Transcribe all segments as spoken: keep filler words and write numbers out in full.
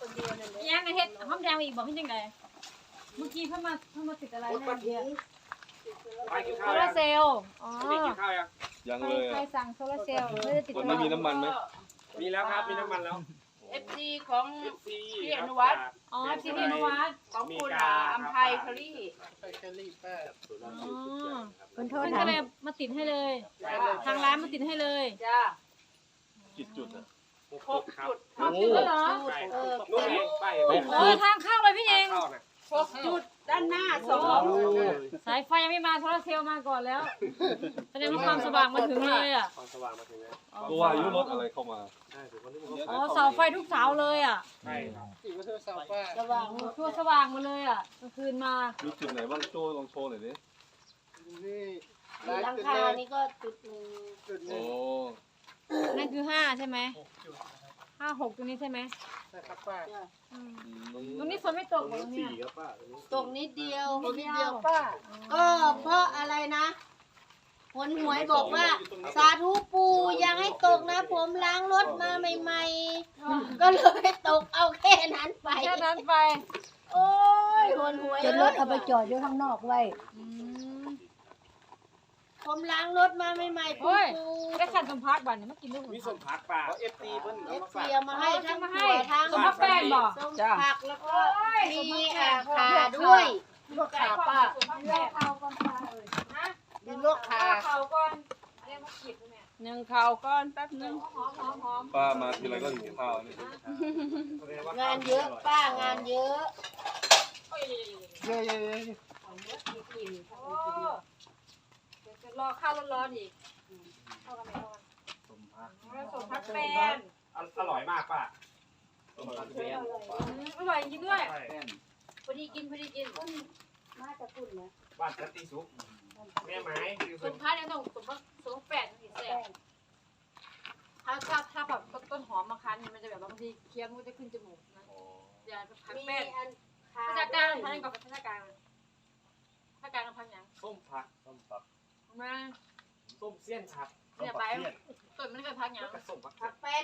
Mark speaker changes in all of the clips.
Speaker 1: คนเดียวนั่นแหละ
Speaker 2: ยังไงเฮ็ดห้อมแดงอีกบอกให้จังไดเมื่อกี้เพิ่นมาเพิ่นมาติดอะไรนะเนี่ย
Speaker 3: ไปกิน
Speaker 2: โซ
Speaker 3: ข้าว
Speaker 2: ลา
Speaker 3: ยัง
Speaker 2: ร์เซลล์อ๋อ
Speaker 3: ไม่กินข้าวยัง
Speaker 4: ยัง
Speaker 2: ใคร
Speaker 4: เลย
Speaker 2: ใคร
Speaker 4: อ่ะ
Speaker 2: สั่งโซลาร์เซลล์ไม่ได้ติด
Speaker 4: มันไม่มีน้ำมันไหม
Speaker 3: มีแล้วครับมีน้ำมันแล้ว
Speaker 1: เอฟซีของ
Speaker 3: เอฟซี
Speaker 1: พี่อนุวัฒน์
Speaker 2: อ๋อซีพีนวัด
Speaker 1: ของคุณอ่าอัมภัยเคอรี่
Speaker 2: อ๋อเพิ่นโทษก็เลยมาติดให้เลย ทางร้านมาติดให้เลย
Speaker 1: จ้า
Speaker 4: กี่จุดอ่ะ
Speaker 1: หกจุด
Speaker 2: หกจุดแล้วเหรอ
Speaker 1: เออ
Speaker 3: นู่นเองไป
Speaker 2: เออทางเข้าเลยพี่เอง
Speaker 3: เข้านะ
Speaker 1: หกจุดด้านหน้าสอง
Speaker 2: สายไฟยังไม่มาโซลาร์เซลล์มาก่อนแล้วแสดงว่าความสว่างมาถึงเลยอ่ะ
Speaker 3: ความสว่างมาถึงแล้ว
Speaker 4: ตัวอายุรถอะไรเข้ามา
Speaker 3: ใช่ถึงวันนี้มัน
Speaker 2: อ๋อเสาไฟทุกเสาเลยอ่ะ
Speaker 3: ใช่ครับ
Speaker 1: ระวัง
Speaker 2: ทั่วสว่างมาเลยอ่ะกลางคืนมา
Speaker 4: มีจุดไหนบ้างโจ้ลองโชว์หน่อยดิ
Speaker 1: หลังคานี่ก็จุดหนึ่ง
Speaker 4: โอ้
Speaker 2: นั่นคือห้าใช่ไหมห้าหกตรงนี้ใช่ไหม
Speaker 1: จ้ะ
Speaker 2: อืมตรงนี้ฝนไม่ตกเหรอตรงเนี้ย
Speaker 1: ตกนิดเดียว
Speaker 2: นิดเดียวป้า
Speaker 1: ก็เพราะอะไรนะหนหวยบอกว่า สาธุปู่ยังให้ตกนะ ผมล้างรถมาใหม่ๆ ก็เลยตกเอาแค่นั้นไป
Speaker 2: แค่นั้นไป
Speaker 1: โอ้ยหนหวย
Speaker 5: จนรถเอาไปจอดอยู่ข้างนอกไว้
Speaker 2: อืม
Speaker 1: ผมล้างรถมาใหม่ๆ
Speaker 2: โอ้
Speaker 1: ปู่
Speaker 2: ยได้ขันสมพักบัตรเนี่ยมากินด้วย
Speaker 3: มีส้มผักป่าเอฟซีเพิ่น
Speaker 1: เอ
Speaker 3: เอา
Speaker 1: ฟ
Speaker 3: มา
Speaker 1: ซี
Speaker 3: ฝาก
Speaker 1: เอามาให้ทั้ง
Speaker 2: มาให้
Speaker 1: ถั่วทั้ง
Speaker 2: สมพักแป้งบอก
Speaker 1: ส้มผักแล้วก็มีอ่าขาด้วย
Speaker 2: ลวกขาป้าลวกขาก่อนป้าเอ้ยนะ
Speaker 1: มีลวกขา
Speaker 2: ลวกขาก่อนเรียกมาขีดเนี่ย
Speaker 1: หนึ่งข่าวก้อนแป๊บหนึง
Speaker 2: หอมหอมหอม
Speaker 4: ป้ามาทีไรก็หิวข้าวนี่
Speaker 1: งานเยอะป้างานเยอะ
Speaker 2: โอ้ยเยอะๆๆเอาเนื้อขีดกินโอ้เดี๋ยวจะรอข้าวร้อนๆอีกเข้ากันไหมเข้ากันแล้วสมพักแป้ง
Speaker 3: อร่อยมากป่ะส้มผักเบน
Speaker 2: อืมอร่อยจริงด้วย
Speaker 3: ใช่
Speaker 2: พอดีกินพอดีกิน
Speaker 1: มาจะพูดนะ
Speaker 3: บ้านสันติสุขแม่ไม้คือ
Speaker 2: สมพักเนี่ยต้องสมพักสมแปดถึงแซ่บถ้าถ้าถ้าแบบต้นหอมมาคั้นเนี่ยมันจะแบบบางทีเคี้ยวมันก็จะขึ้นจมูกนะอย่าพัก
Speaker 1: มี
Speaker 2: แป้ง
Speaker 1: อันขา
Speaker 2: ภาษากลางพันกับภาษากลางภาษากลางกับพันยัง
Speaker 3: ส้มผักส้มผัก
Speaker 2: มา
Speaker 3: ส้มเสี้ยนผัก
Speaker 2: เนี่ยไปต้นมันก็พักยัง
Speaker 3: แล้วก็ส้มผัก
Speaker 1: ผักเป็น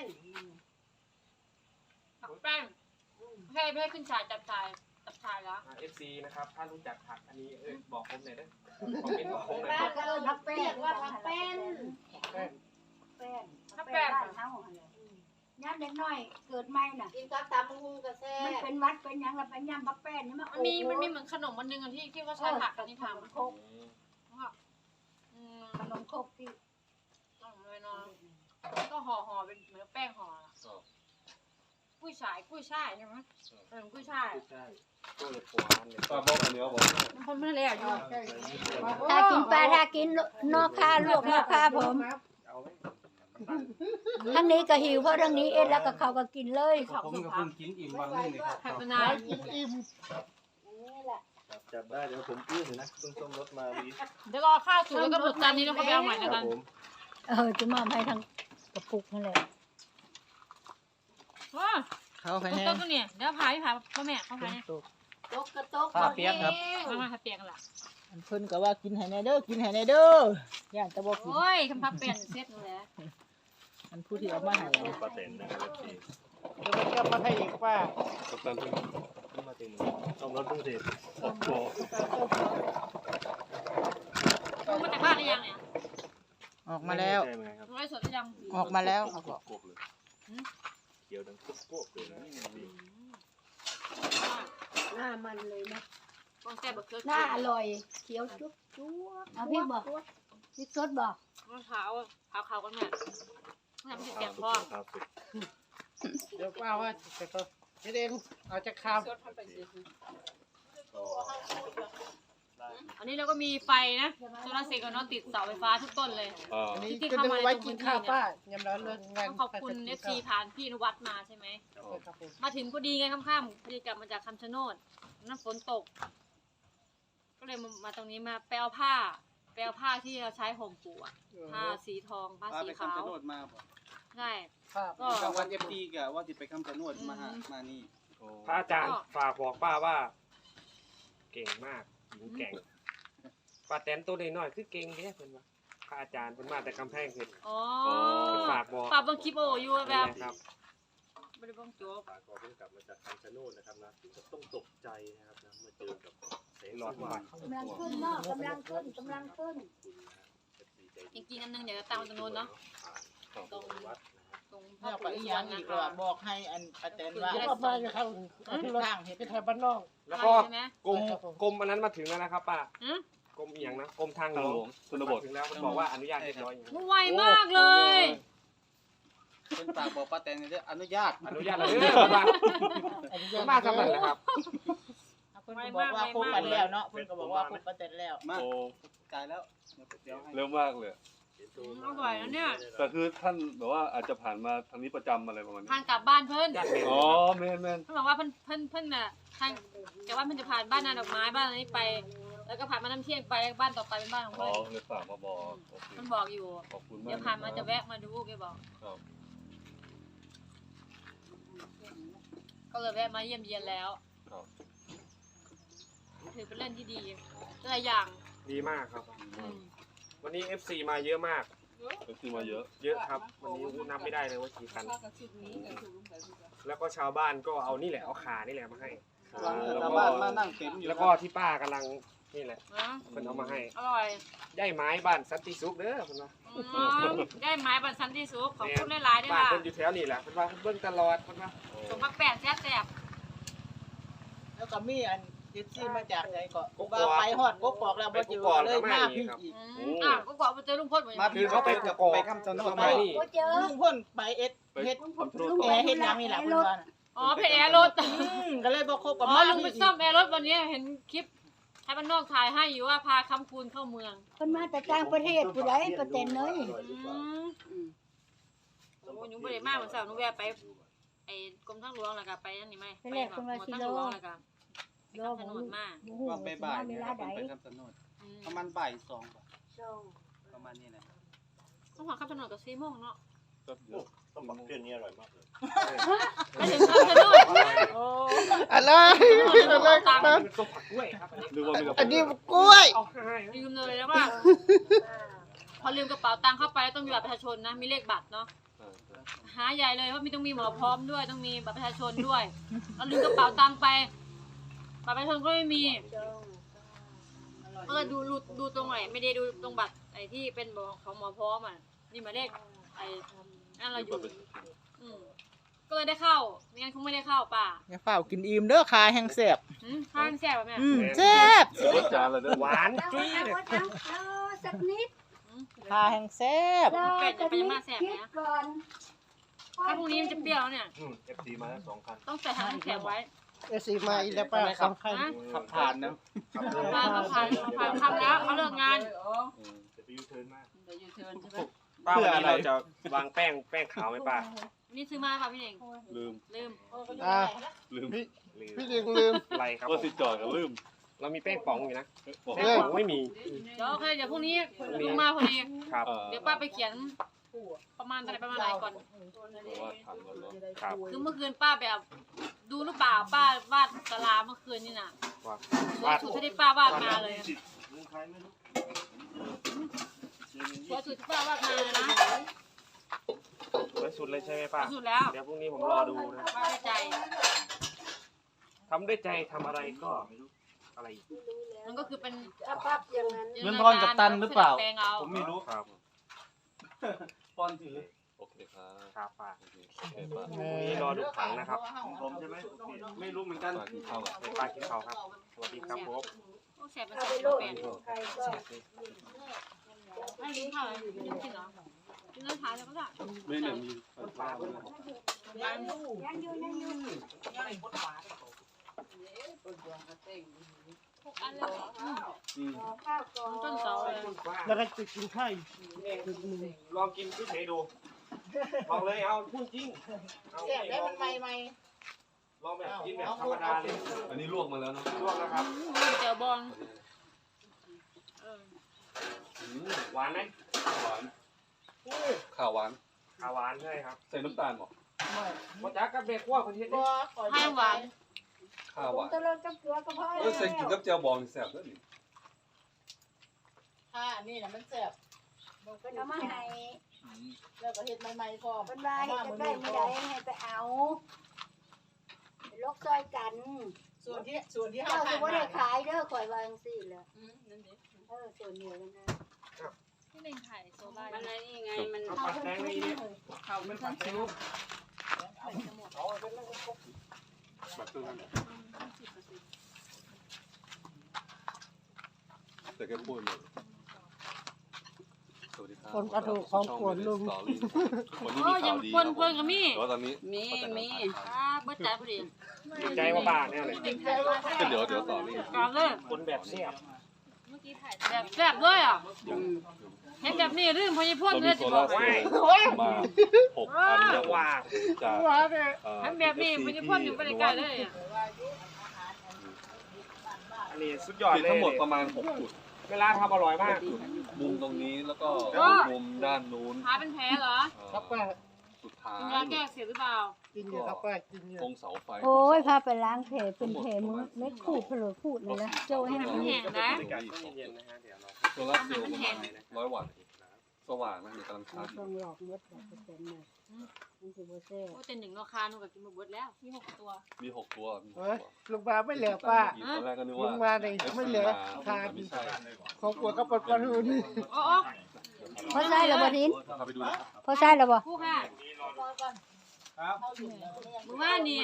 Speaker 2: ผักแป้งให้ไม่ให้ขึ้นชายจับชายจับชายแล้ว
Speaker 3: เอฟซีนะครับถ้ารู้จักผักอันนี้เออบอกผมหน่อยนะคอมเมนต์บอกผมหน่อย
Speaker 1: บ้านเราผักเป็นเรียกว่าผักเป็น
Speaker 5: แป้ง
Speaker 2: ถ้าแป้ง
Speaker 5: บ้านเฮาหั่นแหละย่ำเด็กน้อยเกิดใหม่น่ะ
Speaker 1: กินกับตำหุงกระแซ่
Speaker 5: มันเป็นวัดเป็นหยังแล้วไปย่ำบักแป้นนี่มา
Speaker 2: มันมีมันมีเหมือนขนมมันนึงที่ที่เขาใช้ผักอันนี้ทำ
Speaker 5: โคก
Speaker 2: อืม
Speaker 5: ขนมโคกที่
Speaker 2: ต้องเลยเนาะก็ห่อห่อเป็นเหมือนแป้งห่อกุ้ยฉายกุ้ยช่ายใช่ไหมเออกุ้ยช่าย
Speaker 3: ใช่ก็เลยปวดเลย
Speaker 4: ป้าบอกอันเนี้ยบอก
Speaker 2: มันคนไม่ได้เลยอยู่
Speaker 5: ถ้ากินปลาถ้ากินนอกค่าลวกนอกค่าผม
Speaker 3: เอาไหม
Speaker 5: ทั้งนี้ก็หิวเพราะทั้งนี้เอ็ดแล้วก็เขาก็กินเลย
Speaker 2: ขอบ
Speaker 6: ผม
Speaker 2: คุณ
Speaker 6: ก็
Speaker 2: ครั
Speaker 6: เพิ่
Speaker 2: บ
Speaker 6: งกินอิ่มวันนึงเลยครับ
Speaker 2: ผักมะนาว
Speaker 1: กินอิ่มนี่แหละ
Speaker 6: จับได้เดี๋ยวผมอื้ออยู่นะเพิ่งต้มรถมาดี
Speaker 2: เดี๋ยวรอข้าวสุกแล้วก็หมดจานนี้แล้วก็ไปเอาใหม่
Speaker 6: ค
Speaker 2: นะ
Speaker 6: รั
Speaker 2: กับ น
Speaker 6: ผม
Speaker 5: เออจะมอบให้ทั้งกระปุกนั่นแหละ
Speaker 2: ว้า
Speaker 7: เขาใคร
Speaker 2: ต้
Speaker 7: แน่
Speaker 2: นตัวเนี่ยเดี๋ยวพาพี่พาพ่อแม่เขาพาเนี่ย
Speaker 1: ตกกระตก
Speaker 7: ผ้าเปียกครับ
Speaker 2: มามาเปียกกันละ
Speaker 7: อันเพิ่นก็ว่ากินให้แน่เด้อกินให้แน่เด้อย่านตะบ่กิน
Speaker 2: โอ้ยคำพับเป็นเซ็ตนั่นแหละ
Speaker 7: อันผู้ที่เอามาให้
Speaker 4: ป้าเต็นนะครับพี่
Speaker 7: เดี๋ยวมันก็มาให้อีกป้า
Speaker 4: กัปตันเพิ่ง
Speaker 6: ขึ้นมาเต็มต้มรถเพิ่งเสร็จ
Speaker 4: โอ้โห
Speaker 2: ลงมาจากบ้านหรือยังเนี่ย
Speaker 7: ออกมาแล้ว
Speaker 6: ใช่ไหมครับ
Speaker 2: ลงไลฟ์สดหรือยัง
Speaker 7: ออกมาแล้ว
Speaker 4: กบเลยเกี่ยวดังกบเลยนะ
Speaker 1: หน้ามันเลยนะ
Speaker 2: ต้องแซ่บเกิน
Speaker 5: หน้าอร่อยเขียวจุ๊บจุ๊บเอาพี่บอกพี่สดบอก
Speaker 2: มะพร้าวขาวขาวกันแม่น้ำพริกแกงพ่อ
Speaker 4: ครับสุด
Speaker 7: เดี๋ยวป้าว่าจะก็จะเองเอาจะข้าม
Speaker 2: อันนี้เราก็มีไฟนะโซลาร์เซลล์ก็นอนติดเสาไฟฟ้าทุกต้นเลย
Speaker 4: อ่า
Speaker 7: อันนี้ก็จะไว้กินข้าวป้ายำร้อนเรื่องงาน
Speaker 2: ต้องขอบคุณเอฟซีผ่านพี่อนุวัฒน์มาใช่ไหม
Speaker 7: ครับผม
Speaker 2: มาถึงพอดีไงค่ำๆพอดีกลับมาจากคำชะโนดน้ำฝนตก ก็เลยมามาตรงนี้มาแปลผ้าแปลผ้าที่เราใช้ห่มปู่อะผ้าสีทองผ้า
Speaker 8: ว่า
Speaker 2: สี
Speaker 8: ไป
Speaker 2: ขาว
Speaker 8: คำชะโนดมาบ่
Speaker 2: ใช่
Speaker 7: ข้าว
Speaker 2: ก็
Speaker 8: กลางวันเอฟดีกะว่าสิไปคำชะโนดมาหามานี่
Speaker 3: พระอาจารย์ฝากบอกป้าว่า เก่งมากหญิงแก่งป้าแตนตัวน้อยๆคือเก่งแค่เพิ่นว่าพระอาจารย์เพิ่นมาแต่กำแพงเพชร
Speaker 2: อ๋อ
Speaker 3: ฝากบอก
Speaker 2: ปรับบางคลิปโออยู่แบบ
Speaker 3: นะครับ
Speaker 2: บริบงโจ๊ก
Speaker 4: ป้าก็เพิ่งกลับมาจากคนะครับนะมาเจอกับแสง
Speaker 3: หลอด
Speaker 4: สว่าง
Speaker 5: กำลังขึ้นเนาะกำลังขึ้นกำลังขึ้น
Speaker 2: จริงๆอันนึงเดี๋ยวตั้งไว้ตรงนู้นเนาะตรงตรงพ่อ
Speaker 7: เนี่ยไป
Speaker 2: ปู่
Speaker 7: อี
Speaker 2: ส
Speaker 7: หยั
Speaker 2: ว
Speaker 7: ง
Speaker 2: น
Speaker 7: อี
Speaker 2: นะ
Speaker 7: กว่า
Speaker 2: คะ
Speaker 7: บอกให้อันป้าแตนว่า
Speaker 2: จะได้
Speaker 7: ก็มาจะเข้าทางเหตุไปทางบ้านนอก
Speaker 3: แล้วก็
Speaker 2: ใช่ไหม
Speaker 3: กรมกรมอันนั้นมาถึงแล้วนะครับป้า
Speaker 2: อืม
Speaker 3: กรมอีหยังนะกรมทางหล
Speaker 6: ทาง
Speaker 3: ว
Speaker 6: หล
Speaker 3: ง
Speaker 6: วงชนบท
Speaker 3: มาถึงแล้วมันบอกว่าอนุญาตเรียบร้อยอย่างนี้
Speaker 2: ไวมากเลย
Speaker 8: เป็นปากบอกป้าแตนเด้ออนุญาต
Speaker 3: อนุญาตเลยเด้อป้ามาทำอะไรนะครับ
Speaker 7: เพิ่นก็บอกว่าครบกันแล้วเนาะเพิ่นก็บอกว่าครบป้าแตนแล้ว
Speaker 8: มา
Speaker 6: โอ้
Speaker 8: จ่ายแล้วเดี๋ยวให้
Speaker 6: เร็วมากเลย
Speaker 2: อร่อยนะเนี่ย
Speaker 6: แต่คือท่านแบบว่าอาจจะผ่านมาทางนี้ประจำอะไรประมาณนี้
Speaker 2: ทางกลับบ้านเพิ่น
Speaker 3: ญาติเมน
Speaker 6: อ๋อแม่นแม่น
Speaker 2: เพิ่นบอกว่าเพิ่นเพิ่นเพิ่นน่ะทางแต่ว่าเพิ่นจะผ่านบ้านนาดอกไม้บ้านอะไรนี้ไป แล้วก็ผ่านมาน้ำเที่ยงไปแล้วบ้านต่อไปเป็นบ้านของ
Speaker 6: อ๋อ
Speaker 2: เพิ่น
Speaker 6: เลยฝากมาบอกโอเค
Speaker 2: เพิ่นบอกอยู่
Speaker 6: ขอบคุณมาก
Speaker 2: เดี๋ยวผ่านมาจะแวะมาดูแกบอก
Speaker 6: ครับ
Speaker 2: ก็เลยแวะมาเยี่ยมเยียนแล้ว
Speaker 6: ครับ
Speaker 2: ถือเป็นเรื่องที่ดีหลายอย่าง
Speaker 3: ดีมากครับ
Speaker 2: อืม
Speaker 3: วันนี้ เอฟ ซี มาเยอะมาก
Speaker 6: เป็นที่มาเยอะ
Speaker 3: เยอะครับ วันนี้อู้นับไม่ได้เลยว่ากี่คัน แล้วก็ชาวบ้านก็เอานี่แหละ เอาขานี่แหละมาให้
Speaker 8: ชาวบ้านมานั่งเต็มอยู่
Speaker 3: แล้วก็ที่ป้ากำลังนี่แหละ
Speaker 2: นะ
Speaker 3: เพิ่นเอามาให้
Speaker 2: อร่อย
Speaker 3: ได้ไม้บ้านสันติสุขเด้อเพิ่นว่า
Speaker 2: อืมได้ไม้บันสันที่สุขขอบคุณหลายๆด้วย
Speaker 3: บ้าน
Speaker 2: ค่ะ
Speaker 3: เพิ่นอยู่แถวนี้แหละเพิ่นว่าเพิ่นเบิ่งตลอดเพิ่นว่า
Speaker 2: สมพักแปดแซ่บแซ่บ
Speaker 7: แล้วก็มีอันดิซี่มาจากไหนก็ว่าไปฮอดกกอกแล้วบ่เจอเลยมาพี่อีก
Speaker 2: อืมอ่ะก็กว่าไปเจอลุงพลเหมือน
Speaker 8: มา
Speaker 2: กัน
Speaker 8: คือเขาไปกับไปคำชะโนด
Speaker 3: เขา
Speaker 8: มา
Speaker 3: มานี่
Speaker 5: โอ้เจอ
Speaker 7: ลุงพ่นไปเอ็ด
Speaker 6: ไป
Speaker 7: เฮ็ด
Speaker 6: ทำธุร
Speaker 7: แอ
Speaker 6: กิจ
Speaker 7: ร์เฮ็ดหยังนี่ล่ะเพิ่นว่าน่ะ
Speaker 2: อ๋อเพจแอร์รถ
Speaker 7: อืมก็เลยบ่คบ
Speaker 2: อ๋
Speaker 7: กับ
Speaker 2: อ
Speaker 7: มา
Speaker 2: ลุงไปซ่อมแอร์รถวันนี้เห็นคลิปใช้บ้านนอกถ่ายให้อยู่ว่าพาคำคูณเข้าเมือง
Speaker 5: เพิ่นมาแต่ต่างประเทศผู้ใดประเทศเนย
Speaker 2: อืมโอ้ยหนูบ่ได้มากเหมือนสาวหนูแวะไปไอ้กรมทางหลวงแล้วก็ไปนั่นนี่ไหมไปแบบหมวดทางหลวงแล้วก็ไปคำชะโนดมา
Speaker 5: บ่ฮู้
Speaker 8: ว่า
Speaker 5: ว่า
Speaker 8: บ่าย
Speaker 5: เว
Speaker 8: ๆเนี่ย
Speaker 5: ลา
Speaker 8: ครับ
Speaker 5: ใด
Speaker 8: เป็นไปคำชะโนด
Speaker 2: อืม
Speaker 8: ประมาณบ่ายสอง
Speaker 5: ส่ง
Speaker 8: ประมาณนี้แหละ
Speaker 2: ต้องหาคำชะโนดกับซีโมงเนาะ
Speaker 6: ก็เยอะ
Speaker 4: ต้องบอกเพื่อนนี้อร่อยมากเลย
Speaker 2: ไปถึงคำชะโนด
Speaker 7: โอ้
Speaker 1: อะไร
Speaker 2: อะไรตังค์
Speaker 3: เป็นต้มผักกล้วยครับอันนี้
Speaker 6: นึกว่ามีกับ
Speaker 1: อันนี้กล้วย
Speaker 3: เอาให้
Speaker 2: ลืมเลยแล้วว่าพอลืมกระเป๋าตังค์เข้าไปแล้วต้องมีบัตรประชาชนนะมีเลขบัตรเนาะ
Speaker 6: เออเออ
Speaker 2: หาใหญ่เลยเพราะมีต้องมีหมอพร้อมด้วยต้องมีบัตรประชาชนด้วยเราลืมกระเป๋าตังค์ไปบัตรประชาชนก็ไม่มีก็เลยดูดูดูตรงไหนไม่ได้ดูตรงบัตรไอ้ที่เป็นของหมอพร้อมอ่ะนี่หมายเลขไอ้นั่นเราอยู่อืมก็เลยได้เข้าไม่งั้นคงไม่ได้เข้าป่ะ
Speaker 7: อย่าเฝ้ากินอิ่มเด้อคาแห้งแซ่บ
Speaker 2: หืมข้างแซ่บแบบเนี้ย
Speaker 7: อืมแซ่บ
Speaker 6: เดี๋ยวรถจานเลยเด้อ
Speaker 3: หวานจุ้ย
Speaker 5: เอา
Speaker 3: เลย
Speaker 5: เอาเอาสักนิด
Speaker 7: คาแห้งแซ่บ
Speaker 5: รอสักนิดคิดก่อน
Speaker 2: ถ้าพรุ่งนี้มันจะเปรี้ยวแล้วเนี่ย
Speaker 6: อืม เอฟ ซี มาทั้งสองคัน
Speaker 2: ต้องใส่ถังน้ำแข็งไว้
Speaker 1: เอซีมาอีกแล้วป้าสำคัญ
Speaker 2: นะ
Speaker 8: ขับผ่านนะ
Speaker 2: มาเขาผ่านเขาผ่านทำแล้วเขาเลิกงาน
Speaker 6: อืมจะไปยูเทิร์นมาก
Speaker 3: ป้าวันนี้เราจะวางแป้งแป้งขาวไหมป้า
Speaker 2: นี่ซื้อมาค่ะพี่เน่ง
Speaker 6: ลืม
Speaker 2: ลืม
Speaker 1: อ่า
Speaker 6: ลืม
Speaker 1: พี่
Speaker 3: ลืม
Speaker 1: พี่ดึงลืม
Speaker 3: อะไรครับ
Speaker 6: ก็สิจอดก็ลืม
Speaker 3: เรามีแป้งป๋องอยู่นะ
Speaker 6: บอก
Speaker 3: แป้งป๋องไม่มี
Speaker 2: เดี๋ยวโอเคเดี๋ยวพรุ่งนี้ลุงมาพอดี
Speaker 3: ครับ
Speaker 6: เออ
Speaker 2: เดี๋ยวป้าไปเขียน ประมาณอะไรประมาณไหนก่อน
Speaker 6: เพราะว่าทันแล้วเนาะ
Speaker 3: ครับ
Speaker 2: คือเมื่อคืนป้าแบบดูหรือเปล่าป้าวาดตารางเมื่อคืนนี่น่ะ
Speaker 3: ว่า
Speaker 2: สวยสุดที่ป้าวาดมาเลยสวยสุดที่ป้าวาดมาเลยนะ
Speaker 3: สวยสุดเลยใช่ไหม
Speaker 2: ส
Speaker 3: ป้า
Speaker 2: วยสุดแล้ว
Speaker 3: เดี๋ยวพรุ่งนี้ผมรอดูนะ
Speaker 2: ป้าได้ใจ
Speaker 3: ทำด้วยใจทำอะไรก็อะไรอีก
Speaker 2: มันก็คือเป็น
Speaker 5: ปั๊บอย่างนั้น
Speaker 8: เงินทอนกับตันหรือเปล่า
Speaker 2: แปลงเอา
Speaker 8: ผมไม่รู้
Speaker 3: ครับ
Speaker 8: ปอนถือ
Speaker 6: โอเคครับ
Speaker 3: ครับป้า
Speaker 6: โอเคโอเคป้า
Speaker 3: พรุ่งนี้รอดูผังนะครับ
Speaker 4: ผมใช่ไหม
Speaker 8: ไม่รู้เหมือนกัน
Speaker 6: ป้ากินข้าวก่อน
Speaker 3: ป้ากินข้าวครับ สวัสดีครับผม
Speaker 2: โอ้แสบเป็น
Speaker 5: เอา
Speaker 2: แส
Speaker 5: ไป
Speaker 2: บ
Speaker 5: โลด
Speaker 2: แปลง
Speaker 5: ใครก็
Speaker 2: ไม่กินข้าวเลยกินกินเหรอกินเนื้อท้ายแล้วก็ได้
Speaker 6: ไม่เนี่ยมี
Speaker 5: ยังอยู่ยังอยู่
Speaker 2: หกอันเลยเหรอ
Speaker 6: อืม
Speaker 5: รอข้าวก่อน
Speaker 2: ต้นเสาเลย
Speaker 1: แล้วก็จะกินข้าวอีก
Speaker 3: ลองกินเฉยๆดูลองเลยเอาพูดจริงเอา
Speaker 7: แซ่บได้มันใหม่ใหม่
Speaker 3: ลองแบบกินแบบธรรมดาเลย
Speaker 6: อันนี้ลวกมาแล้วเนาะ
Speaker 3: ลวกนะครับ
Speaker 2: เจียวบองเออ
Speaker 6: อืม
Speaker 3: หวานไหม
Speaker 6: หวานข้าวหวาน
Speaker 3: อ่าหวานใช่ครับ
Speaker 6: ใส่น้ำตาลเหรอ
Speaker 3: มจักกับเบคั่วคนเฮ็ด
Speaker 7: บ่
Speaker 3: เนี่ย
Speaker 7: ขอ
Speaker 2: ให้หวาน
Speaker 6: ข้าว
Speaker 5: ผ
Speaker 6: ห
Speaker 5: ม
Speaker 6: วาน
Speaker 5: ตะลดกับเกลือก็พอ
Speaker 6: เออใส่กินกับเจียวบองนี่แซ่บเลยนี่
Speaker 7: ถ้าอันนี้น่ะมันแซ่บ
Speaker 5: เอามาให้
Speaker 6: อืม
Speaker 7: แล้วก็เฮ็ดใหม่ๆพร้อม
Speaker 5: เป็นว่าเฮ็ดจะได้ไม่ได้ให้ไปเอาไปลกซอยกัน
Speaker 7: ส่วนที่ส่วนที่
Speaker 5: เจ้า
Speaker 7: ห้า
Speaker 5: สิบ่ได้ขายเด้อข่อยวาจังซี่แหละ
Speaker 2: อืมนั่นดิ
Speaker 5: เออส่วนเดียวกันนะ
Speaker 2: ที่เล่นถ่ายโซล่า
Speaker 1: มันอะไรนี่ไงมัน
Speaker 3: เอาปลาแตงในนี้
Speaker 7: เขามันผัดซุป
Speaker 6: แบบตัวนั้นแต่แกพูดเลยสวัสดีครับ
Speaker 7: คนกระดูกของขวนลุง
Speaker 6: คนนี้
Speaker 2: โอ้
Speaker 6: มี
Speaker 2: ยั
Speaker 6: ข่าง วดี
Speaker 2: คนคนก็มี
Speaker 6: แต่ว่าตอนนี้
Speaker 1: มีมี
Speaker 2: อ่าเบิดใจพอดี
Speaker 3: ดีใจว่าบ้าเนี่ยเลย
Speaker 6: ก็เดี๋ยวเดี๋ยวต่อนี่
Speaker 2: ก่อนเลย
Speaker 3: คนแบบเสียบ
Speaker 2: แบบแซ่บเลยอ่ะเห็นแบบนี้ลืมพญพ่น
Speaker 6: เรา
Speaker 2: เล
Speaker 6: มี
Speaker 2: ย
Speaker 6: โซ
Speaker 2: สิบ
Speaker 6: ลา
Speaker 2: อก
Speaker 6: ร์เซลล์มาหกอันแล้ว
Speaker 3: ว่า
Speaker 6: จาก
Speaker 7: ว่าเนี่ย
Speaker 6: เอ่อ
Speaker 2: เห็นแบบนี้พญพ่นอยู่ใกล้ๆเลยอ่ะ
Speaker 3: อันนี้สุดยอด
Speaker 6: คือ
Speaker 3: เลย
Speaker 6: ทั้งหมดประมาณหกจุด
Speaker 3: เวลาทำอร่อยมาก
Speaker 6: มุมตรงนี้แล้วก็มุมด้านนู้น
Speaker 2: ขาเป็นแผลเหรอ
Speaker 6: เอ่อ
Speaker 7: ครับป้า
Speaker 6: สุดท้าย
Speaker 2: กินยาแก้อักเสียหรือเปล่า
Speaker 7: กินอยู่ครับป้ากินอยู่
Speaker 6: ตรงเสาไฟ
Speaker 5: โอ้ยพาไปล้างแผลเป็นแผลมือเม็ดขูดเผลอขูดเลยนะโจให้มัน
Speaker 2: แห้งนะ
Speaker 3: เย็นๆนะฮะเดี๋ยวเรา
Speaker 6: โซลาร์เซลล์ประมาณร้อยวัตต์สว่างนะเดี๋ยวกำลังชาร์จอยู่
Speaker 5: ต้องหลอกมดแบบเปอร์เซ็นต์เลยมันสิบ่แซ่บ
Speaker 2: โอ้เต็นหนึ่งราคาหนูกับกินหมดเบิดแล้วมีหกตัว
Speaker 6: มีหกตัวมีหก
Speaker 7: เฮ้ย
Speaker 6: ตัว
Speaker 7: ลุงมาไม่เหลือป้า
Speaker 6: ตอนแรกก็นึก
Speaker 7: ลุ
Speaker 6: ว่าง
Speaker 7: มาในไม่เหลือทาน
Speaker 6: ไม่ใช่
Speaker 7: ของขวดก็ปลดปลาทูนี่
Speaker 2: โอ้โอ้
Speaker 5: พอใส่แล้วบ่ทิน
Speaker 6: พาไปดูนะครับ
Speaker 5: พอใส่แล้วบ่
Speaker 2: ผู้ค่ะมือว่านี่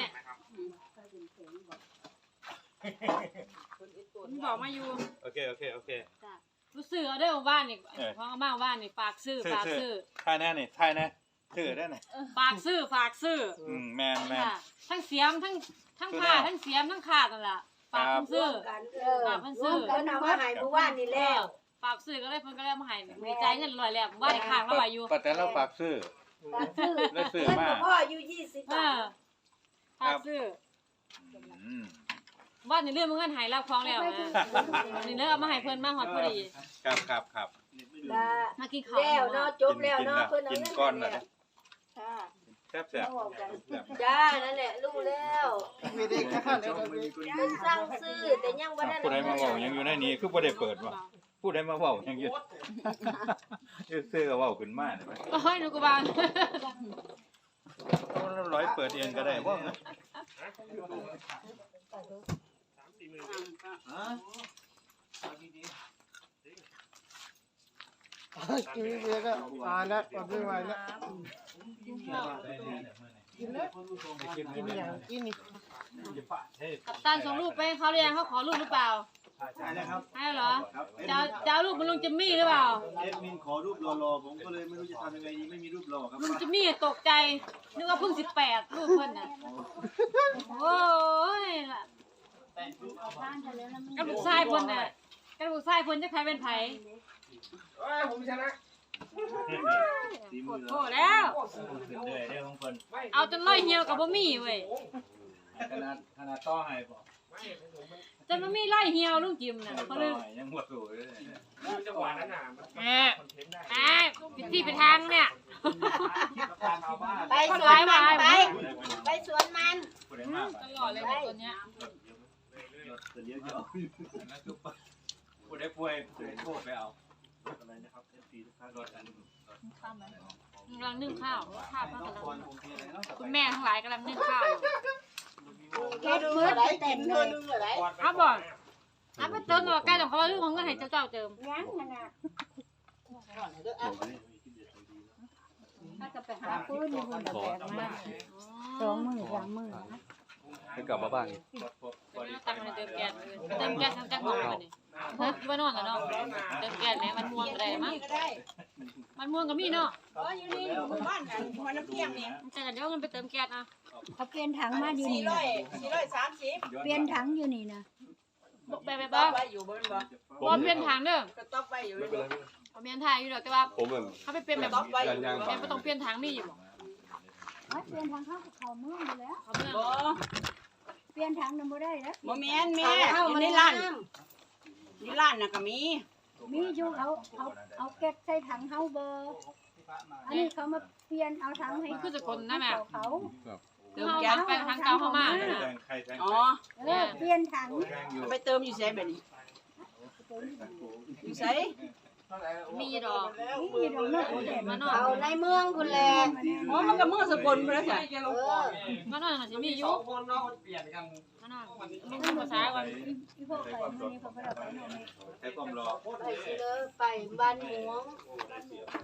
Speaker 2: ผมบอกมาอยู่
Speaker 4: โอเคโอเคโอเค
Speaker 2: รู้สึกเอาได้อบ้านนี่พอมาบ้านนี่ฝากซื้อฝากซื้อ
Speaker 4: ถ่ายแน่นี่ถ่ายแน่ถือได้ไหน
Speaker 2: ฝากซื้อฝากซื้อ
Speaker 4: อืมแมนแมน
Speaker 2: ค่ะทั้งเสียมทั้งทั้งผ้าทั้งเสียมทั้งขาดนั่นแหละฝากเพิ่นซื้อ
Speaker 5: เออ
Speaker 2: ฝากเพิ่นซื้อ
Speaker 5: เพิ่นเอามาให้เมื่อวานนี่แล้ว
Speaker 2: ฝากซื้อก็เลยเพิ่นก็เลยมาให้ดีใจเงินลอยแล้วว่าได้ค้างแล้วไว้อยู่
Speaker 4: ป้าแตนเราฝากซื้อ
Speaker 5: ฝากซื้อ
Speaker 4: ได้ซื้อ
Speaker 5: เงิน
Speaker 4: มา
Speaker 5: บ่พออยู่ยี่สิบ
Speaker 2: เอบ
Speaker 5: า
Speaker 2: อ
Speaker 5: ท
Speaker 2: ฝากซื้อ
Speaker 4: อืม
Speaker 2: ว่าในเรื่องมันเงินหายแล้วคล้องแล้วนะนี่เลิกเอามาให้เพิ่นมาฮอดพอดี
Speaker 4: ครับครับครับ
Speaker 5: ได้
Speaker 2: มากินข้าว
Speaker 5: แล้วเนาะจบแล้วเนาะเพิ่นเอา
Speaker 4: กิน
Speaker 5: เงิน
Speaker 4: ก้อน
Speaker 5: ให้
Speaker 4: น่ะ
Speaker 5: แล้วค่ะ
Speaker 4: แซ่บแซ่บ
Speaker 5: เอาออกกัน
Speaker 4: แซ่บ
Speaker 5: จ้านั่นแหละรู้แล้ว
Speaker 7: ไม่ได้ข้าวเลยเราไม่
Speaker 5: เพิ่นสั่งซื้อแต่ยังบ่ได้
Speaker 4: ผู้ใดมาเว้ายังอยู่ในนี้คือบ่ได้เปิดว่ะผู้ใดมาเว้ายังอยู่ยืดเสื้อก็เว้าขึ้นมาได้ไหม
Speaker 2: โอ้ยหนูก็บาง
Speaker 4: เราร้อยเปิดเองก็ได้บ่
Speaker 7: กินเยอะก็อ่านแล้วอดไม่ไหวแล้วกินแล้วกินอย่างกินนี่
Speaker 2: กับตันส่งรูปไปให้เขาเรียนเขาขอรูปหรือเปล่า
Speaker 9: ใช่แล้วครับ
Speaker 2: ให้เหรอจะจะเอารูปมันลุงจิมมี่หรือเปล่า
Speaker 9: เอดมินขอรูปรอๆผมก็เลยไม่รู้จะทำยังไงดีไม่มีรูปรอครับ
Speaker 2: ลุงจิมมี่ตกใจนึกว่าเพิ่งสิบแปดรูปเพิ่นน่ะโอ้ยล่ะกระดูกทรายเพิ่นน่ะกระดูกทรายเพิ่นจะใครเป็นไผ
Speaker 3: เอ้ยผมชนะ
Speaker 2: โคตรโทษแล้ว
Speaker 4: เหนื่อยเด้อของเพิ่น
Speaker 2: เอาจนร้อยเหี่ยวกับบ่มีเว้ย
Speaker 4: ขนาดขนาดต่อให้บ่
Speaker 2: จนบ่มีร้อยเหี่ยวลุงจิมน่ะเขาเลย
Speaker 4: ยังบ่สู้เลย
Speaker 3: คือจังหวะนั้นน่ะมัน
Speaker 2: แหมแหมผิดที่ไปทางเนี่ย
Speaker 1: ไปสวนมันไปไปสวนมัน
Speaker 4: ผู้ใดมา
Speaker 2: ตลอดเลยเนี่ยตัวเนี้ย
Speaker 9: แต่เลี้ยงจะเอา
Speaker 4: นั่นคือผู้ใดป่วยผู้ใดโทรไปเอาอะไรนะครับ เอฟ ซี ทุกท่านรถอัน
Speaker 2: กำลังนึ่งข้าวข้าวกำลัง
Speaker 9: ก่อนผมมีอะไรเนาะ
Speaker 2: คุณแม่ทั้งหลายกำลังนึ่งข้าวอยู่
Speaker 5: เก็บมือเต็มเลย
Speaker 2: เอาบ่เอาไปเติมกับใกล้ของเขาเรื่องของเงินให้เจ้าเจ้าเติม
Speaker 5: ยังขนาดถ้าจะไปหาปืนนี่เพิ่นจะแบกมาสองมื้อสามมื้อนะ
Speaker 6: ให้กลับมาบ้านอีก
Speaker 2: ตังค์ให้เติมแก๊สไปเติมแก๊สทั้งจังหวัดเลยเฮ้ยว่านอนแล้วเนาะเติมแก๊สแม่มันม่วงก็ได้มั้งมันม่วงก็มีเนาะ
Speaker 1: อ๋ออยู่นี่อยู่บ้านกันหัวน้ำเพียงนี่
Speaker 2: แต่เดี๋ยวเงินไปเติมแก๊สนะ
Speaker 5: เขาเปลี่ยนถังมาอยู่
Speaker 1: สี่
Speaker 5: นี่
Speaker 1: ร้อ
Speaker 5: นะ
Speaker 1: ยสี่ร้อยสามสิบ
Speaker 5: เปลี่ยนถังอยู่นี่นะ
Speaker 2: ไปไป
Speaker 1: ต๊
Speaker 2: บ้า
Speaker 1: อกไว้อยู่บนบ่
Speaker 2: บ่เปลี่ยนทางเด้อ
Speaker 1: ก็ต๊อกไว้อยู่
Speaker 6: ไม่เป็นไร
Speaker 2: บ่เปลี่ยนทางอยู่ดอกแต่ว่า
Speaker 6: ผมแบบ
Speaker 2: เขาไปเปลี่ยนแบบ
Speaker 1: ต๊อกไว้อยู่
Speaker 2: แม่บ่ต้องเปลี่ยนทางมีอยู่บ่
Speaker 5: อ๋อเปลี่ยนถังเข้าเขาเมืองอยู่แล้ว
Speaker 2: เขาเมือง
Speaker 1: บ่
Speaker 5: เปลี่ยนถังนำบ่ได้แล้ว
Speaker 1: บ่แม่นแม่อยู่ในร้านในร้านน่ะก็มี
Speaker 5: มีอยู่เขาเอาเอาเก็บใส่ถังเฮาเบอร์อันนี้เขามาเปลี่ยนเอาถังให้
Speaker 2: คือสกลนะแม่
Speaker 5: เขา
Speaker 2: เติมแก๊สไปทางเก่าเข้ามา
Speaker 4: แทงใครแทง
Speaker 1: อ๋อ
Speaker 5: เออเปลี่ยนถัง
Speaker 4: แทงอยู่
Speaker 1: ไปเติมอยู่ไสบัดนี้อยู่ไส
Speaker 2: มีดอก
Speaker 5: นี่ดอกนกโอเดน
Speaker 2: มานอ
Speaker 1: เอา
Speaker 2: น
Speaker 1: ในเมืองคุณแหละ
Speaker 7: อ๋อมันก็เมืองสกลไปแล้วจ้ะ
Speaker 1: เออ
Speaker 2: มานอนอาจจะมีอยู่
Speaker 3: คนเนาะเปลี่ยนกัน
Speaker 2: มานอนมึงพูดภาษาก่อน
Speaker 5: อีพวกไปมันนี่เขาไปเอาไปนอนนี่
Speaker 4: ใช้ความรอ
Speaker 1: ไปสิเลยไปบ้านหลวง
Speaker 4: ได้เสีย